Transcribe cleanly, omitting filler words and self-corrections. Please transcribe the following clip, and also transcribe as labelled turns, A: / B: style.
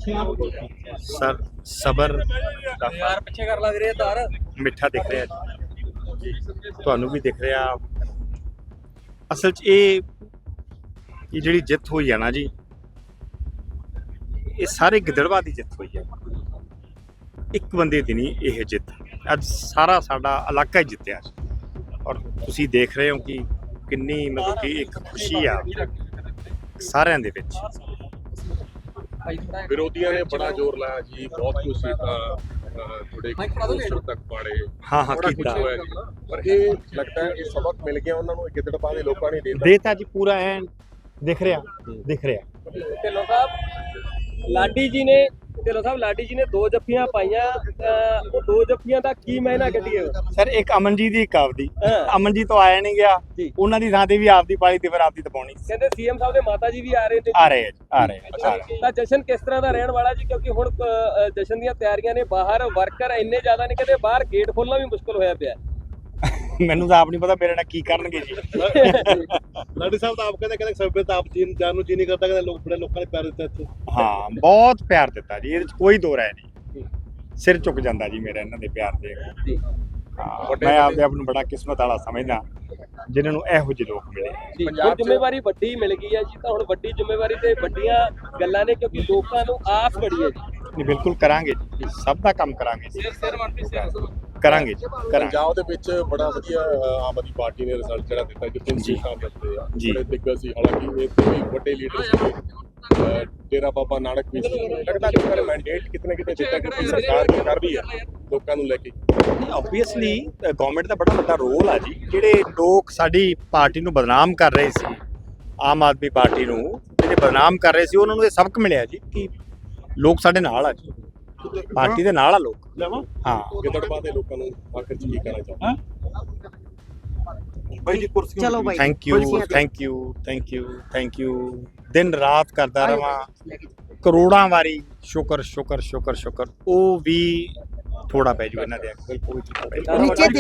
A: Sir ਸਬਰ ਦਾ
B: ਯਾਰ ਪਿੱਛੇ ਕਰ ਲੱਗ ਰਹੀ ਹੈ ਤਾਰ
A: ਮਿੱਠਾ ਦਿਖ ਰਿਹਾ ਜੀ, ਤੁਹਾਨੂੰ ਵੀ ਦਿਖ ਰਿਹਾ। ਅਸਲ 'ਚ ਇਹ ਜਿਹੜੀ ਜਿੱਤ ਹੋਈ ਹੈ ਨਾ ਜੀ, ਇਹ ਸਾਰੇ ਗਿੱਦੜਬਾਹ ਦੀ ਜਿੱਤ ਹੋਈ ਹੈ। ਇੱਕ ਬੰਦੇ ਦੀ ਨਹੀਂ ਇਹ ਜਿੱਤ, ਅੱਜ ਸਾਰਾ ਸਾਡਾ ਇਲਾਕਾ ਹੀ ਜਿੱਤਿਆ। ਔਰ ਤੁਸੀਂ ਦੇਖ ਰਹੇ ਹੋ ਕਿ ਕਿੰਨੀ ਮਤਲਬ ਕਿ ਇੱਕ ਖੁਸ਼ੀ ਆ ਸਾਰਿਆਂ ਦੇ ਵਿੱਚ।
C: ਵਿਰੋਧੀਆਂ ਨੇ ਬੜਾ ਜ਼ੋਰ ਲਾਇਆ ਜੀ, ਬਹੁਤ ਕੁਝ ਸੀਟਾਂ ਥੋੜੇ ਪੋਸਟਰ ਤੱਕ ਪਾੜੇ,
A: ਹਾਂ
C: ਬੜਾ ਕੁਝ
A: ਕੀਤਾ
C: ਹੋਇਆ ਜੀ। ਪਰ ਇਹ ਲੱਗਦਾ ਹੈ ਇਹ ਸਬਕ ਮਿਲ ਗਿਆ ਉਹਨਾਂ ਨੂੰ, ਗਿੱਦੜਬਾਹ ਦੇ ਲੋਕਾਂ ਨੇ
A: ਦੇਤਾ ਜੀ, ਪੂਰਾ ਐਨ ਦਿਖ ਰਿਹਾ।
B: ਢਿੱਲੋਂ ਸਾਹਿਬ ਲਾਡੀ ਜੀ ਨੇ 2 ਜੱਫੀਆਂ ਪਾਈਆਂ, ਉਹ 2 ਜੱਫੀਆਂ ਦਾ ਕੀ ਮਾਇਨਾ ਕੱਢੀਏ
A: ਸਰ? ਇੱਕ ਅਮਨਜੀਤ ਦੀ, ਇੱਕ ਆਪਦੀ।
B: ਹਾਂ।
A: ਅਮਨਜੀਤ ਤੋਂ ਆਇਆ ਨਹੀਂ ਗਿਆ, ਉਹਨਾਂ ਦੀ ਥਾਂ ਤੇ ਵੀ ਆਪਦੀ ਪਾਲੀ ਤੇ ਫਿਰ ਆਪਦੀ ਤਪਾਉਣੀ।
B: ਕਹਿੰਦੇ ਸੀਐਮ ਸਾਹਿਬ ਦੇ ਮਾਤਾ ਜੀ ਵੀ ਆ ਰਹੇ ਨੇ।
A: ਆ ਰਹੇ ਆ।
B: ਤਾਂ ਜਸ਼ਨ ਕਿਸ ਤਰ੍ਹਾਂ ਦਾ ਰਹਿਣ ਵਾਲਾ ਜੀ? ਕਿਉਂਕਿ ਹੁਣ ਜਸ਼ਨ ਦੀਆਂ ਤਿਆਰੀਆਂ ਨੇ, ਬਾਹਰ ਵਰਕਰ ਇੰਨੇ ਜ਼ਿਆਦਾ ਨੇ, ਕਹਿੰਦੇ ਬਾਹਰ ਗੇਟ ਖੋਲਣਾ ਵੀ ਮੁਸ਼ਕਲ ਹੋਇਆ ਪਿਆ।
A: ਮੈਨੂੰ ਤਾਂ ਆਪ ਨਹੀਂ ਪਤਾ ਮੇਰੇ ਨਾਲ ਕੀ ਕਰਨਗੇ ਜੀ।
C: ਲਾਡੀ ਸਾਹਿਬ ਤਾਂ ਆਪ ਕਹਿੰਦੇ ਸਭਿਅਤ ਆਪ ਜਾਨ ਨੂੰ ਜੀ ਨਹੀਂ ਕਰਦਾ, ਕਹਿੰਦੇ ਲੋਕਾਂ ਨੇ ਪਿਆਰ ਦਿੱਤਾ ਇੱਥੇ।
A: ਹਾਂ, ਬਹੁਤ ਪਿਆਰ ਦਿੱਤਾ ਜੀ, ਇਹਦੇ 'ਚ ਕੋਈ ਦੋ ਰਾਏ ਨਹੀਂ। ਸਿਰ ਝੁਕ ਜਾਂਦਾ ਜੀ ਮੇਰਾ ਇਹਨਾਂ ਦੇ ਪਿਆਰ ਦੇ। ਹਾਂ, ਮੈਂ ਆਪਦੇ ਆਪ ਨੂੰ ਬੜਾ ਕਿਸਮਤ ਵਾਲਾ ਸਮਝਦਾ ਜਿਨ੍ਹਾਂ ਨੂੰ ਇਹੋ ਜਿਹੇ ਲੋਕ ਮਿਲੇ।
B: ਹੁਣ ਜ਼ਿੰਮੇਵਾਰੀ ਵੱਡੀ ਮਿਲ ਗਈ ਹੈ ਜੀ, ਤਾਂ ਹੁਣ ਵੱਡੀ ਜ਼ਿੰਮੇਵਾਰੀ ਤੇ ਵੱਡੀਆਂ ਗੱਲਾਂ ਨੇ, ਕਿਉਂਕਿ ਲੋਕਾਂ ਨੂੰ ਆਸ ਬੜੀ ਹੈ ਜੀ।
A: ਨਹੀਂ, ਬਿਲਕੁਲ ਕਰਾਂਗੇ ਜੀ, ਸਭ ਦਾ ਕੰਮ ਕਰਾਂਗੇ ਜੀ, ਕਰਾਂਗੇ ਜੀ, ਕਰਾਂਗੇ।
C: ਪੰਜਾਬ ਦੇ ਵਿੱਚ ਬੜਾ ਵਧੀਆ ਆਮ ਆਦਮੀ ਪਾਰਟੀ ਨੇ ਰਿਜ਼ਲਟ ਜਿਹੜਾ ਦਿੱਤਾ, ਜਿੱਥੇ ਸਾਹਿਬ ਦਿੱਤੇ ਆ, ਬੜੇ ਦਿੱਗਜ ਸੀ। ਹਾਲਾਂਕਿ ਇਹ ਤੋਂ ਵੀ ਵੱਡੇ ਲੀਡਰ ਸੀ, ਡੇਰਾ ਬਾਬਾ ਨਾਨਕ ਵੀ ਸੀ। ਲੱਗਦਾ ਲੋਕਾਂ ਨੇ ਮੈਂਡੇਟ ਕਿਤੇ ਦਿੱਤਾ ਕਿ ਸਰਕਾਰ ਕੀ ਕਰ ਰਹੀ ਹੈ ਲੋਕਾਂ ਨੂੰ ਲੈ ਕੇ।
A: ਆਬਵੀਅਸਲੀ ਗਵਰਨਮੈਂਟ ਦਾ ਬੜਾ ਵੱਡਾ ਰੋਲ ਆ ਜੀ। ਜਿਹੜੇ ਲੋਕ ਸਾਡੀ ਪਾਰਟੀ ਨੂੰ ਬਦਨਾਮ ਕਰ ਰਹੇ ਸੀ, ਆਮ ਆਦਮੀ ਪਾਰਟੀ ਨੂੰ ਜਿਹੜੇ ਬਦਨਾਮ ਕਰ ਰਹੇ ਸੀ, ਉਹਨਾਂ ਨੂੰ ਇਹ ਸਬਕ ਮਿਲਿਆ ਜੀ ਕਿ ਲੋਕ ਸਾਡੇ ਨਾਲ ਆ ਜੀ, ਪਾਰਟੀ ਦੇ ਨਾਲ ਆ ਲੋਕ। ਹਾਂ,
C: ਗਿੱਦੜਬਾਹ ਦੇ ਲੋਕਾਂ ਨੂੰ ਆਖਿਰ 'ਚ ਕੀ ਕਹਿਣਾ ਚਾਹੁੰਦੇ?
D: ਚਲੋ ਭਾਈ,
A: ਥੈਂਕ ਯੂ। ਦਿਨ ਰਾਤ ਕਰਦਾ ਰਵਾਂ, ਕਰੋੜਾਂ ਵਾਰੀ ਸ਼ੁਕਰ। ਉਹ ਵੀ ਥੋੜਾ ਪੈ ਜੂ ਇਹਨਾਂ ਦੇ, ਬਿਲਕੁਲ।